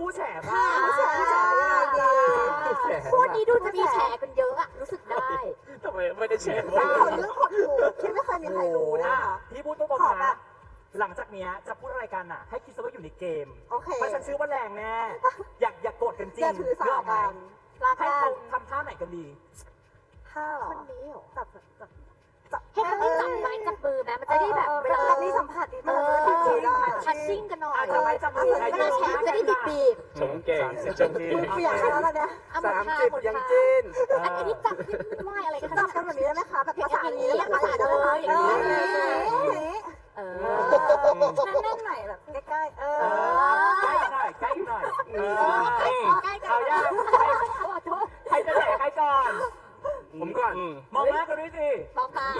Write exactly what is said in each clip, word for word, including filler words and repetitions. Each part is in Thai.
คู่แฉบ้างแฉแฉคู่นี้ดูจะมีแฉกันเยอะอะรู้สึกได้ทำไมไม่ได้แฉบ้าคนเรื่องขดหูที่ไม่เคยมีใครรู้นะคะพี่พูดตรงๆนะหลังจากนี้จะพูดอะไรกันอ่ะให้คิดซะว่าอยู่ในเกมเพราะฉันชื่อว่าแรงแน่อยากอยากโกรธกันจริงอย่าถือสากันให้เขาทำท่าไหนกันดีท่าหรอคนนี้เหรอจับจับจับให้เขาได้จับไม้จับมือไหมมันจะได้แบบเวลามีสัมผัสดีเอมากอทัชชิ่งกันหน่อยจับไม้จับมือเวลาแฉจะได้บีบบีบชมเก่งชมดีเปลี่ยนแล้วตอนเนี้ยสามสิบยังจีนอันนี้จับไหวอะไรกันจับกันแบบนี้ได้ไหมคะแบบภาษานี้ภาษาได้ไหมคะอย่างนี้เออแน่นๆหน่อยแบบใกล้ๆเออใกล้หน่อยใกล้หน่อยใกล้กันเอาย่างใครจะแฉใครก่อนผมก่อนมองหน้ากันด้วยสิมองตา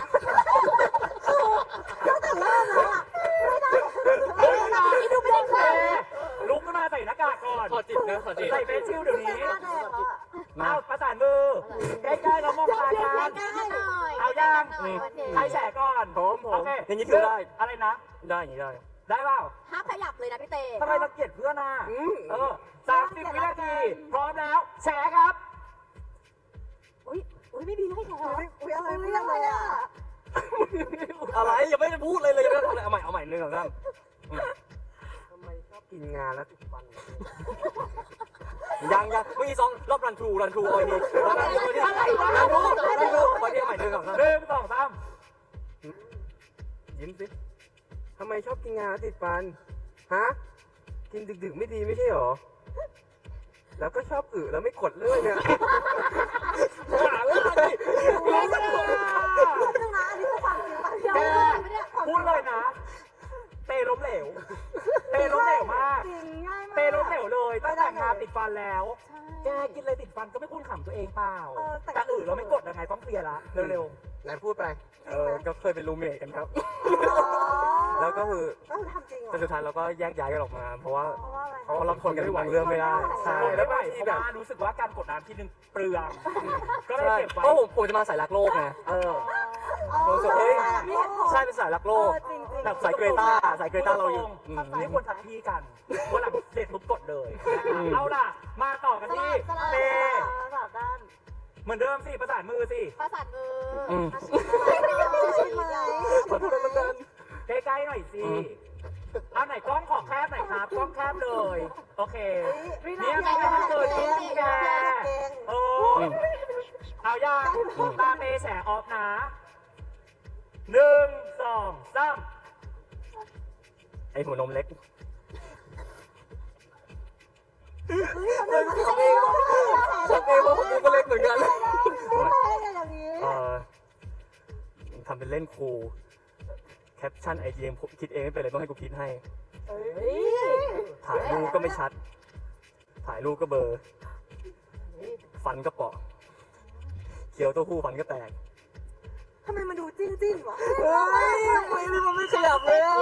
นี่ดูไม่ได้เคยลุกขึ้นมาใส่หน้ากากก่อนขอจิตนะขอจิตใส่เฟซชิลเดี๋ยวนี้เอาประสานมือใกล้ๆเรามองตากันใกล้กันหน่อยเอาย่างใครแฉก่อนผมผมโอเคอย่างนี้ถือได้อะไรนะได้อย่างนี้ได้ได้เปล่าห้ามขยับเลยนะพี่เต้ทำไมเราเกลียดเพื่อนอ่ะเออสามสิบวินาที พร้อมแล้ว แฉครับอุ้ยอุ้ยไม่มีให้แฉอุ้ยอะไรไม่ได้เลยอ่ะอะไรยังไม่ได้พูดเลยเลยยังไม่ได้ทำอะไรเอาใหม่เอาใหม่หนึ่งสองสามทำไมชอบกินงานแล้วติดฟันยังยังเมื่อกี้สองรอบรันทรูรันทรูคอยดีรันทรูคอยดีรันทรูรันทรูคอยดีใหม่หนึ่งสองสามหนึ่งสองสามยิ้มสิทำไมชอบกินงานแล้วติดฟันฮะกินดึกๆไม่ดีไม่ใช่หรอแล้วก็ชอบอึแล้วไม่กดเลื่อยเนี่ยหาเรื่องดิรู้ไหมล่ะนึงนะอันนี้คือความจริงป่ะแกพูดเลยนะ เตะล้มเหลว เตะล้มเหลวมากจริงง่ายมากเตะล้มเหลวเลยตั้งแต่งานติดฟันแล้ว แกกินอะไรติดฟันก็ไม่คุ้นขำตัวเองเปล่า แต่อื่นเราไม่กดยังไงต้องเคลียร์ละเร็วไหนพูดไปเออก็เคยเป็นรูมเมทกันครับ แล้วก็คือก็คือทำจริงเหรอแต่สุดท้ายเราก็แยกย้ายกันออกมา เพราะว่าเพราะว่าอะไรเพราะเราทนกันบางเรื่องไม่ได้ๆใช่แล้แล้ว วไปบางเพทีราะแบบว่ารู้สึกว่าการกดน้ำทีนึงเปลือง ก็เลยใช่เก็บไว้เพราะผมผมจะมาสายรักโลกไงเออผมรู้สึกเฮ้ยใช่เป็นสายรักโลกจริงๆแบบสายเกรต้าสายเกรต้าเราอยู่อืมไม่ควรทักพี่กันวันหลังเสร็จปุ๊บกดเลยเอาล่ะ มาต่อกันที่เตสลับด้านเหมือนเดิมสิประสานมือสิประสานมืออืมใช่ไหมขอโทษนะกันใกล้ๆหน่อยสิ เอาไหนกล้องขอแคบหน่อยครับ กล้องแคบเลย โอเค เนี่ยไม่ให้เกิดขึ้นแกเออเอาย่างตาเตแฉออฟนะหนึ่งสองสามไอหัวนมเล็กทำเองทำเองทำเองเพราะผมก็เล็กเหมือนกันอย่างนี้เออทำเป็นเล่นครูแคปชั่นไอเดียคิดเองไม่เป็นไรต้องให้กูคิดให้ ถ่ายรูปก็ไม่ชัด ถ่ายรูปก็เบลอร์ฟันก็เปาะเคี้ยวเต้าหู้ฟันก็แตกทำไมมันดูจิ้นจิ้นวะเฮ้ยทำไมมันไม่ขยับเลยอ่ะ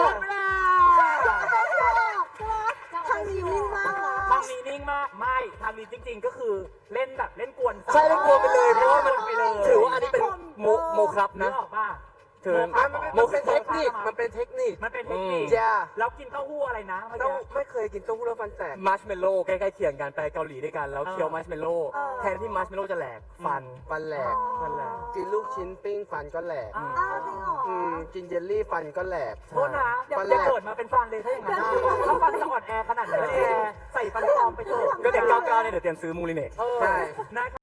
ทางนี้นิ่งมากนะทางนี้นิ่งมาก ไม่ทางนี้จริง ๆ ก็คือเล่นแบบเล่นกวนใช่เล่นกลัวไปเลยเพราะว่ามันไปเลยถือว่าอันนี้เป็นโมโมครับนึนะกออกป่ะถือโมมันเป็เป็นนเทคนิคมันเป็นเทคนิคมันเป็นเทคนิคจ้าแล้วกินเต้าหู้อะไรนะเมื่อต้องกี้ไม่เคยกินเต้าหู้แล้วฟันแตกมัชเมลโล่ใกล้ๆเคียงกันไปเกาหลีด้วยกันแล้วเออเคี้ยวมัชเมลโล่แทนที่มัชเมลโล่จะแหลกฟันฟันแหลกฟันแหลกกินลูกชิ้นปิ้งฟันก็แหลกอ้าอ้าวจริงเหรออืมกินเยลลี่ฟันก็แหลกโทษนะอย่าฟันอแหลย่าก เกิดมาเป็นฟันเลยถ้าอย่างนั้นนะถ้าฟันจะอ่อนแอขนาดนั้นแกใส่ฟันปลอมไปเถอะก็เด็กเก้าเก้าเนี่ยเดี๋ยวเตรียมซื้อมูลิเนตเออใช่นะ